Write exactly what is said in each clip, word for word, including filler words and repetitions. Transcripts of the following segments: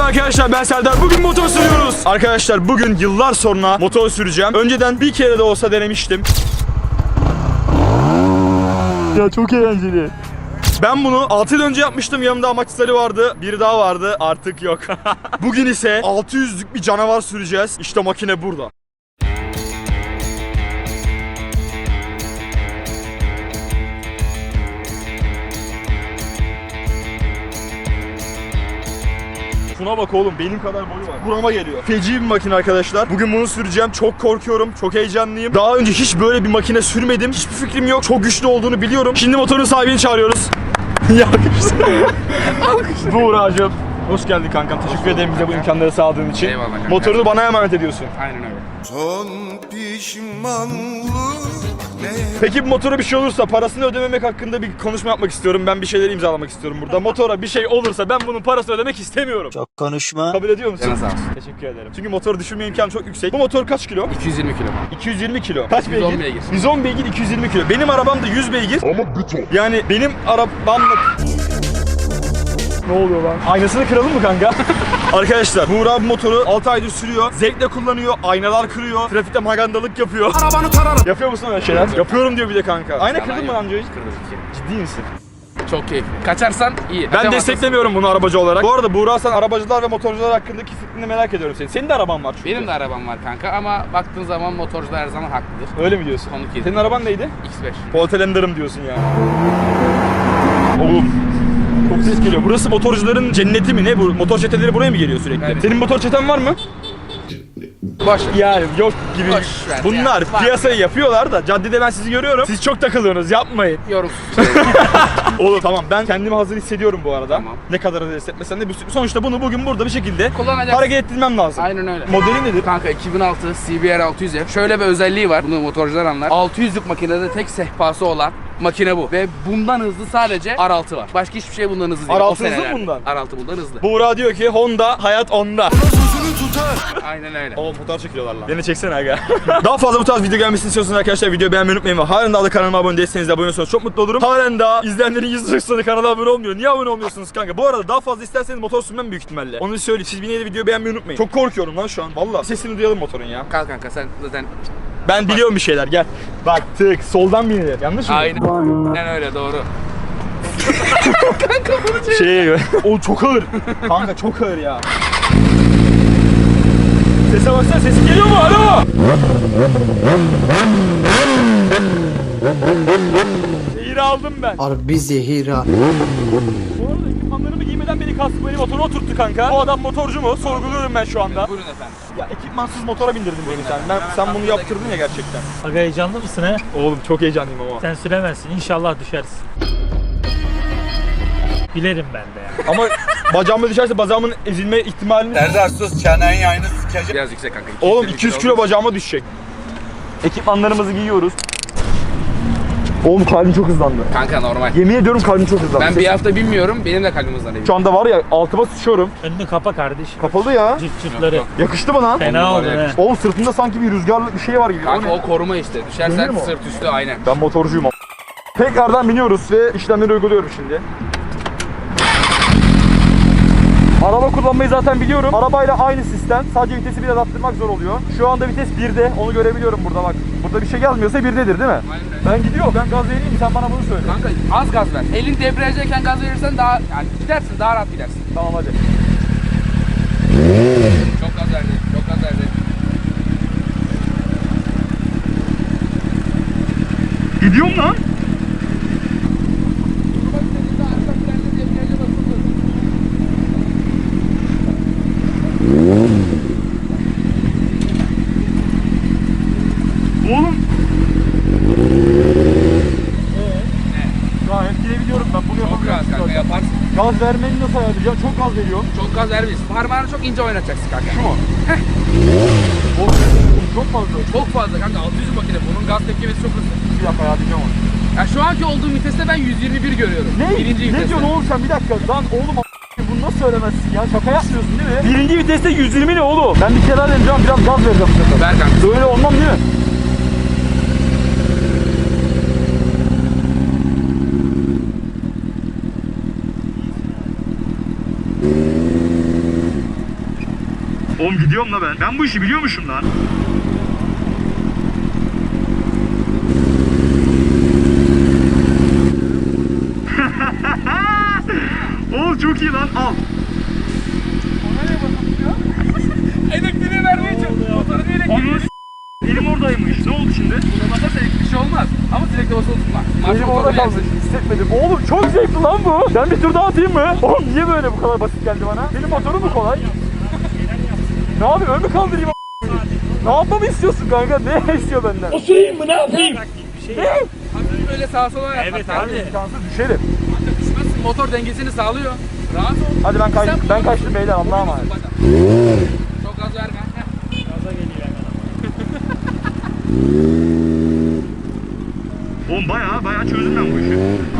Merhaba arkadaşlar, ben Serdar. Bugün motor sürüyoruz. Arkadaşlar bugün yıllar sonra motor süreceğim. Önceden bir kere de olsa denemiştim. Ya çok eğlenceli. Ben bunu altı yıl önce yapmıştım. Yanımda amaçları vardı. Biri daha vardı. Artık yok. Bugün ise altı yüzlük bir canavar süreceğiz. İşte makine burada. Şuna bak oğlum, benim kadar boyu var. Burama geliyor. Feci bir makine arkadaşlar. Bugün bunu süreceğim. Çok korkuyorum. Çok heyecanlıyım. Daha önce hiç böyle bir makine sürmedim. Hiçbir fikrim yok. Çok güçlü olduğunu biliyorum. Şimdi motorun sahibini çağırıyoruz. Buğra'cığım. Hoş geldin kankam. Teşekkür ederim bize bu imkanları sağladığın için. Eyvallah kanka. Motorunu bana emanet ediyorsun. Aynen öyle. Son pişmanlık ne? Peki bu motora bir şey olursa parasını ödememek hakkında bir konuşma yapmak istiyorum. Ben bir şeyler imzalamak istiyorum burada. Motora bir şey olursa ben bunun parasını ödemek istemiyorum. Çok konuşma. Kabul ediyor musun? Canın sağ olsun. Teşekkür ederim. Çünkü motoru düşürme imkanı çok yüksek. Bu motor kaç kilo? iki yüz yirmi kilo. iki yüz yirmi kilo. Kaç yüz on beygir? beygir. yüz on beygir, iki yüz yirmi kilo. Benim arabam da yüz beygir. Ama beton. Yani benim arabamla... Ne oluyor lan? Aynasını kıralım mı kanka? Arkadaşlar Buğra bu motoru altı aydır sürüyor. Zevkle kullanıyor. Aynalar kırıyor. Trafikte magandalık yapıyor. Arabanı tararım. Yapıyor musun öyle şeyler? Yapıyorum diyor bir de kanka. Ayna Yalan kırdın mı yok. lan önce hiç? Kırdım bir kere. Ciddi misin? Çok keyifli. Kaçarsan iyi. Ben Kaçamazsan desteklemiyorum bunu arabacı olarak. Bu arada Buğra, sen arabacılar ve motorcular hakkındaki fikrini merak ediyorum senin. Senin de araban var çünkü. benim de arabam var kanka ama baktığın zaman motorcular her zaman haklıdır. Öyle mi diyorsun? Konuk yedi. Senin araban neydi? X beş. Poltelender'ım diyorsun yani. Oğlum çok ses geliyor. Burası motorcuların cenneti mi ne? Bu motor çeteleri buraya mı geliyor sürekli? Evet. Senin motor çeten var mı? Boş ver. Yani yok gibi. Boş ver Bunlar ya. Var. piyasayı yapıyorlar da caddede ben sizi görüyorum. Siz çok takılıyorsunuz, yapmayın. Yorumsuz. Oğlum tamam, ben kendimi hazır hissediyorum bu arada. Tamam. Ne kadar hazır hissetmesen de bir- sonuçta bunu bugün burada bir şekilde Kullanacaksın. hareket ettirmem lazım. Aynen öyle. Modeli nedir? Kanka iki bin altı C B R altı yüz F. Şöyle bir özelliği var. Bunu motorcular anlar. altı yüzlük makinede tek sehpası olan makine bu. Ve bundan hızlı sadece R altı var. Başka hiçbir şey bundan hızlı değil. R O altı hızlı mı senelerde. bundan? R altı bundan hızlı. Buğra diyor ki Honda hayat onda. Sözünü tutar. Aynen öyle. Oğlum fotoğraf çekiyorlar lan. Beni çeksene aga. Daha fazla bu tarz video gelmesini istiyorsanız arkadaşlar videoyu beğenmeyi unutmayın ve halen daha da kanalıma abone değilseniz de abone olursanız çok mutlu olurum. Halen daha izleyenlerin yüzde seksanı kanala abone olmuyor. Niye abone olmuyorsunuz kanka? Bu arada daha fazla isterseniz motor sürmem büyük ihtimalle. Onu söyleyeyim. Siz yine de videoyu beğenmeyi unutmayın. Çok korkuyorum lan şu an. Valla. Sesini duyalım motorun ya. Kalk kanka sen zaten Ben biliyorum bir şeyler, gel. Bak tık soldan binilir. Yanlış mı? aynen öyle doğru. Şey o çok ağır. Kanka çok ağır ya. Sese baksana, sesi geliyor mu? Alo! Zehir aldım ben. Harbi zehira. Bu arada ekipmanlarımı giymeden beni kasıp beni motora oturttu kanka. Bu adam motorcu mu? Sorguluyorum ben şu anda. Buyurun efendim. Ya ekipmansız motora bindirdin beni sen. Ben, sen bunu yaptırdın ya gerçekten. Aga heyecanlı mısın he? Oğlum çok heyecanlıyım ama. Sen süremezsin. İnşallah düşersin. Bilerim ben de ya. Ama bacağıma düşerse bacağımın ezilme ihtimalini... Serdar sus, çenenin yayını sıkacak. Biraz yüksek kanka. Oğlum iki yüz kilo bacağıma düşecek. Ekipmanlarımızı giyiyoruz. Oğlum kalbim çok hızlandı. Kanka normal. Yemin ediyorum kalbim çok hızlandı. Ben bir hafta bilmiyorum. Benim de kalbim hızlanıyor. Şu anda var ya altıma sıçıyorum. Önünü kapa kardeşim. Kapalı ya. Cırt cırtları. Yok, Yakıştı mı lan? Fena On oldu numara he. Oğlum sırtımda sanki bir rüzgarlı bir şey var gibi. Kanka O ne? o koruma işte. Dönüyor Düşersen mu o? sırt üstü aynen. Ben motorcuyum ama. Tekrardan biniyoruz ve işlemleri uyguluyorum şimdi. Araba kullanmayı zaten biliyorum. Arabayla aynı sistem. Sadece vitesi biraz arttırmak zor oluyor. Şu anda vites birde. Onu görebiliyorum burada bak. Burada bir şey gelmiyorsa birdedir değil mi? Aynen öyle. Ben gidiyor. Ben gaz vereyim, sen bana bunu söyle. Kanka az gaz ver. Elin debriyajdayken gaz verirsen daha yani gidersin, daha rahat gidersin. Tamam hadi. Çok gaz verdi. Çok gaz verdi. Gidiyorum lan. Oğlum. Gayet gidebiliyorum ben. Bunu Çok gaz kanka yaparsın. Gaz vermeni nasıl ayarlayacağım? Çok gaz veriyorum. Çok gaz vermeyiz. Parmağını çok ince oynatacaksın kanka. Şu mu? Oğlum, çok fazla. Çok fazla kanka. altı yüz makine. Bunun gaz tepkimesi çok hızlı. Bir dakika ayarlayacağım onu. Ya şu anki olduğum viteste ben yüz yirmi bir görüyorum. Ne? Birinci Ne viteste. diyorsun oğlum sen? Bir dakika. Lan oğlum a- bunu nasıl söylemezsin ya? Şaka yapmıyorsun değil mi? Birinci viteste yüz yirmi ne oğlum? Ben bir kere vereceğim, biraz gaz vereceğim bu sefer. Ver kanka. Böyle olmam değil mi? Oğlum gidiyorum la ben. Ben bu işi biliyormuşum lan. Oğlum çok iyi lan. Al. Elektriği verdiği için motorun elektriği. Elim oradaymış. Ne oldu şimdi? Buna basarsa elektrik bir şey olmaz. Ama sürekli basılı tutma. Marş Elim motoru orada kaldı. yersin. Hissetmedim. Oğlum çok zevkli lan bu. Ben bir tur daha atayım mı? Oğlum niye böyle bu kadar basit geldi bana? Benim motorum mu kolay? Ne yapayım? Ön mü kaldırayım? Ne yapmamı istiyorsun kanka? Ne istiyor benden? Oturayım mı ne yapayım? Bir şey. Hafif böyle sağa sola yapmak Evet lazım. abi. İmkansız düşerim. Kanka düşmezsin. Motor dengesini sağlıyor. Rahat ol. Hadi ben kaç, Sen ben bunu- kaçtım beyler. Allah'a emanet. Bak. Çok gaz verme. Heh. Gaza geliyor hemen. Oğlum bayağı bayağı çözdüm ben bu işi.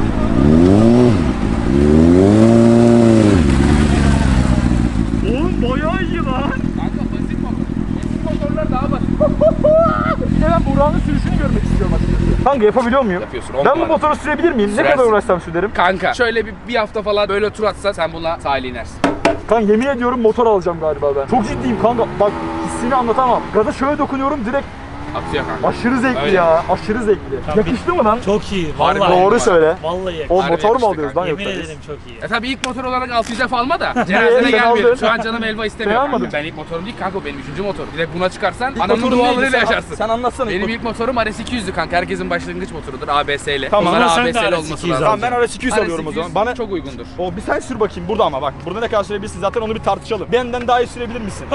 Oğlum bayağı iyi lan. Kanka basit motor. Eski motorlar daha basit. Bir de ben Burak'ın sürüşünü görmek istiyorum açıkçası. Kanka yapabiliyor muyum? Yapıyorsun, on Ben bu numara. motoru sürebilir miyim? Ne Sürersin. kadar uğraşsam sürerim. Kanka şöyle bir, bir hafta falan böyle tur atsa sen bununla sahile inersin. Kanka yemin ediyorum motor alacağım galiba ben. Çok ciddiyim kanka. Bak hissini anlatamam. Gaza şöyle dokunuyorum direkt Atıyor kanka. aşırı zevkli Öyle. ya. Aşırı zevkli. Tabii. Yakıştı mı lan? Çok iyi. Harbi Vallahi. Doğru söyle. Vallahi yakın. O Harbi motor mu yakıştı alıyoruz lan Yemin yoksa? ederim çok iyi. E tabi ilk motor olarak altı yüze alma da Sen cenazene aldın. gelmiyorum. Şu an canım elva istemiyor. Sen almadın. kanka. Ben ilk motorum değil kanka, o benim üçüncü motorum. Bir de buna çıkarsan İlk anamın motorun neydi? dualarıyla Sen- yaşarsın. Sen anlatsana. Benim ilk ilk motorum R S iki yüzdü kanka. Herkesin başlangıç motorudur A B S'li. Tamam, Onlara ama sen de A B S'li R S olması iki yüz lazım. Tamam ben R S iki yüz R S alıyorum o iki yüz zaman. Bana çok uygundur. o bir sen sür bakayım burada ama bak burada ne kadar sürebilirsin zaten onu bir tartışalım. Benden daha iyi sürebilir misin?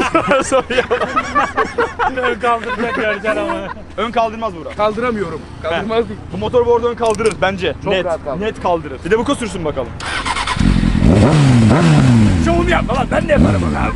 Ön kaldıracak göreceksin ama. Ön kaldırmaz Burak. Kaldıramıyorum. Kaldırmaz değil. Bu motor bu arada ön kaldırır bence. Çok net. rahat kaldırır. Net kaldırır. Bir de bu sürsün bakalım. Şovumu yapma lan ben de yaparım bakalım.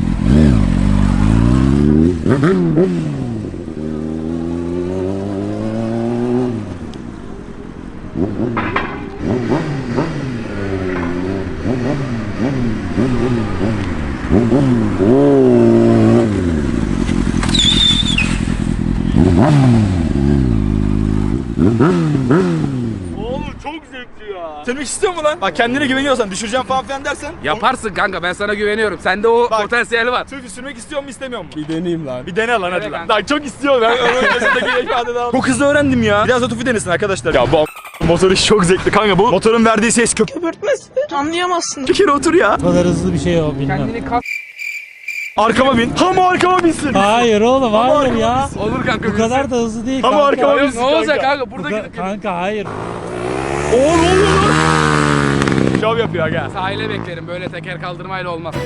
Oğlum çok zevkli ya. Sürmek istiyor mu lan? Bak kendine güveniyorsan düşüreceğim falan filan dersen. Yaparsın kanka, ben sana güveniyorum. Sende o Bak. potansiyeli var. Tüfü sürmek istiyor mu istemiyor mu? Bir deneyeyim lan. Bir dene lan hadi Evet lan. kanka. Lan çok istiyor ben onun gözündeki ifadeden. Çok hızlı öğrendim ya. Biraz da Tüfü denesin arkadaşlar. Ya bu a- motor işi çok zevkli kanka. Bu motorun verdiği ses kök. Anlayamazsın. Bir kere otur ya. Bu kadar hızlı bir şey o bilmem. Kendini kas. Arkama bin. Ama arkama binsin. Hayır oğlum hayır arkama ya. binsin. Olur kanka. Bu kadar da hızlı değil Ama kanka. arkama Yok, binsin ne olacak kanka. kanka? Bu Burada ka- gidip kanka hayır. Oo ne oluyor lan? Şov yapıyor aga. sahile beklerim. Böyle teker kaldırmayla olmaz.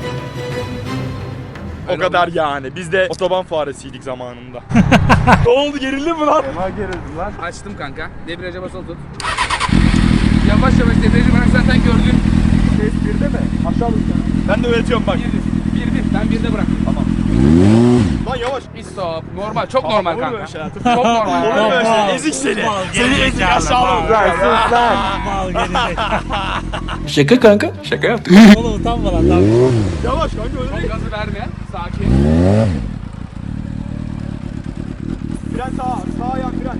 O Öyle kadar olmaz. yani. Biz de otoban faresiydik zamanında. Ne oldu gerildin mi lan? Ama gerildim lan. Açtım kanka. Debriyaja basılı tut. Yavaş yavaş debriyajı bırak, zaten gördün. Ses birde mi? Aşağı lütfen. Ben de öğretiyorum bak. Bir bir. Bir bir. Ben birde bıraktım. Tamam. Lan yavaş. Bir stop. Normal. Çok normal olur kanka. böyle şeyler. Çok normal. Olur böyle Mal, şeyler. Ezik seni. mal, Seni gerizekalı, ezik aşağılık. mal. Sus lan. Mal gerizekalı. Şaka kanka. Şaka yaptım. Oğlum utanma lan lan. Yavaş kanka öyle Çok değil. gazı vermeyen. Sakin. Fren sağa. Sağa yan fren.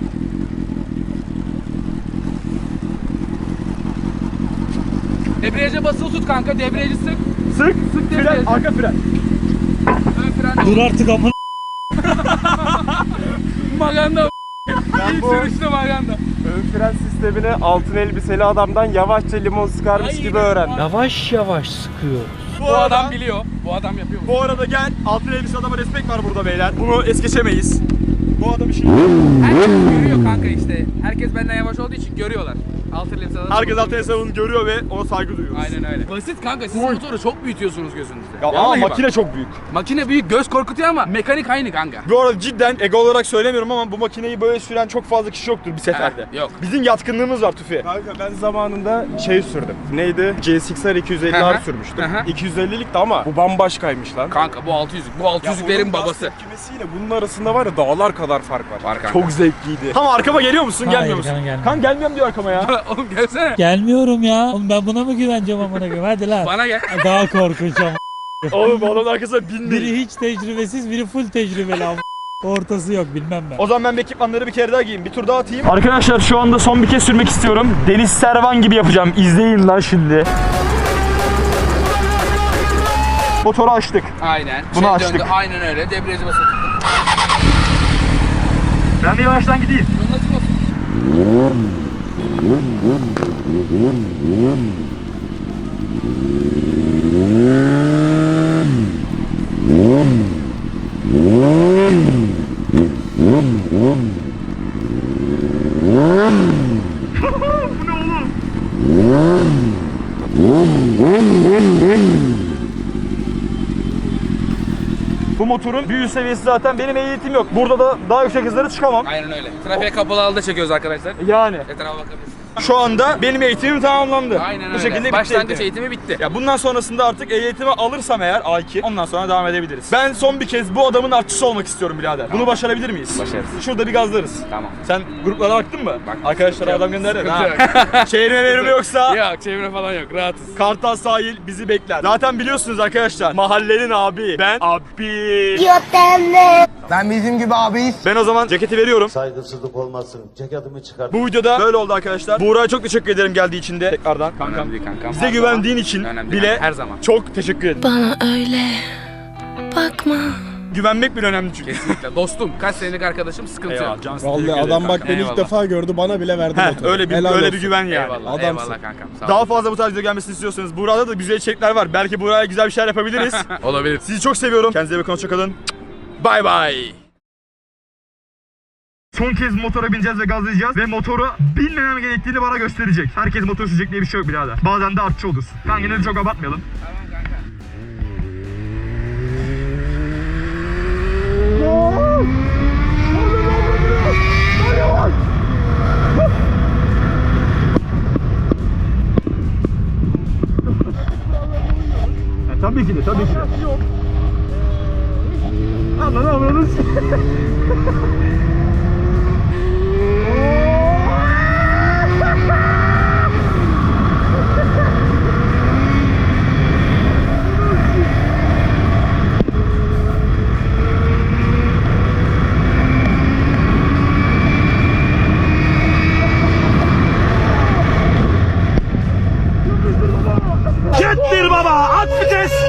Debriyaja basılı tut kanka. Debriyajı sık. Sık. Sık Fren. debriyajı. Arka fren. Ön fren. Dur artık amına. Maganda. Ben İlk bu sürüşte maganda. ön fren sistemini altın elbiseli adamdan yavaşça limon sıkarmış gibi öğrendim. Yavaş yavaş sıkıyor. Bu, Bu arada, adam biliyor. Bu adam yapıyor. bu arada gel. Altın elbise adama respekt var burada beyler. Bunu es geçemeyiz. Bu adam işini... Herkes görüyor kanka işte. Herkes benden yavaş olduğu için görüyorlar. Altı elbise adam. Herkes altın elbise görüyor ve ona saygı duyuyoruz. Aynen öyle. Basit kanka, siz motoru çok büyütüyorsunuz gözünüzde. Ya ama Vallahi bak. makine çok büyük. Makine büyük, göz korkutuyor ama mekanik aynı kanka. Bu arada cidden ego olarak söylemiyorum ama bu makineyi böyle süren çok fazla kişi yoktur bir seferde. Evet, yok. Bizim yatkınlığımız var Tüfi. Kanka ben zamanında şey sürdüm. Neydi? C S X R iki yüz elli Hı R hı. sürmüştüm. Hı hı. iki yüz ellilikti ama bu bambaşkaymış lan. Kanka bu altı yüzlük. Bu altı Ya yüzlüklerin onun gaz babası. tepkimesiyle bunun arasında var ya dağlar kadar fark var. Var kanka. Çok zevkliydi. Tam arkama geliyor musun? Hayır, Gelmiyor musun? canım gelmiyor. Kan gelmiyorum diyor arkama ya. Oğlum gelsene. Gelmiyorum ya. Oğlum ben buna mı güveneceğim amına koyayım? Hadi lan. Bana gel. Daha korkunç ama. Oğlum bu adamın arkasına binmeyin. Biri hiç tecrübesiz, biri full tecrübeli ama. Ortası yok bilmem ben. O zaman ben bu ekipmanları bir kere daha giyeyim. Bir tur daha atayım. Arkadaşlar şu anda son bir kez sürmek istiyorum. Deniz Servan gibi yapacağım. İzleyin lan şimdi. Motoru açtık. Aynen. Bunu Şey açtık. döndü, aynen öyle. Debriyajı basılı tuttum. Ben bir yavaştan gideyim. Bunun açık olsun. Bu motorun bir üst seviyesi zaten benim ehliyetim yok. Burada da daha yüksek hızlara çıkamam. Aynen öyle. Trafiğe kapalı halde çekiyoruz arkadaşlar. Yani Etrafa bakabilirsiniz. şu anda benim eğitimim tamamlandı. Aynen Bu öyle. şekilde bitti Başlangıç eğitimim. eğitimi bitti. Ya bundan sonrasında artık ehliyetimi alırsam eğer A iki ondan sonra devam edebiliriz. Ben son bir kez bu adamın artçısı olmak istiyorum birader. Bunu başarabilir miyiz? Başarırız. Şurada bir gazlarız. Tamam. Sen gruplara baktın mı? Bak. Arkadaşlara adam gönderdi. Sıkıntı Ha. Şehrime verim yoksa Yok, çevre falan yok. Rahatız. Kartal sahil bizi bekler. Zaten biliyorsunuz arkadaşlar mahallenin abi. Ben abi. Ben bizim gibi abiyiz. Ben o zaman ceketi veriyorum. Saygısızlık olmasın. Ceketimi çıkar. Bu videoda böyle oldu arkadaşlar. Buğra'ya çok teşekkür ederim geldiği için de tekrardan. Kankam. Önemli değil kankam. Bize Her güvendiğin zaman. için Önemli değil bile kankam, her zaman. çok teşekkür ederim. Bana öyle bakma. Güvenmek bile önemli çünkü. Kesinlikle. Dostum, kaç senelik arkadaşım, sıkıntı Eyvallah yok. cansın. Vallahi teşekkür ederim adam bak kankam. beni ilk Eyvallah. defa gördü, bana bile verdi Heh, motoru. öyle bir Helal öyle olsun. bir güven yani. Eyvallah, Adamsın. eyvallah kankam. Sağ ol. Daha fazla bu tarz video gelmesini istiyorsanız Buğra'da da güzel içerikler var. Belki Buğra'ya güzel bir şeyler yapabiliriz. Olabilir. Sizi çok seviyorum. Kendinize bakın, hoşça kalın. Bay bay. Son kez motora bineceğiz ve gazlayacağız ve motoru bilmemem gerektiğini bana gösterecek. Herkes motor sürecek diye bir şey yok birader. Bazen de artçı olursun. Kanka yine de çok abartmayalım. Ya, tabii ki de, tabii ki de. Anladın anladın.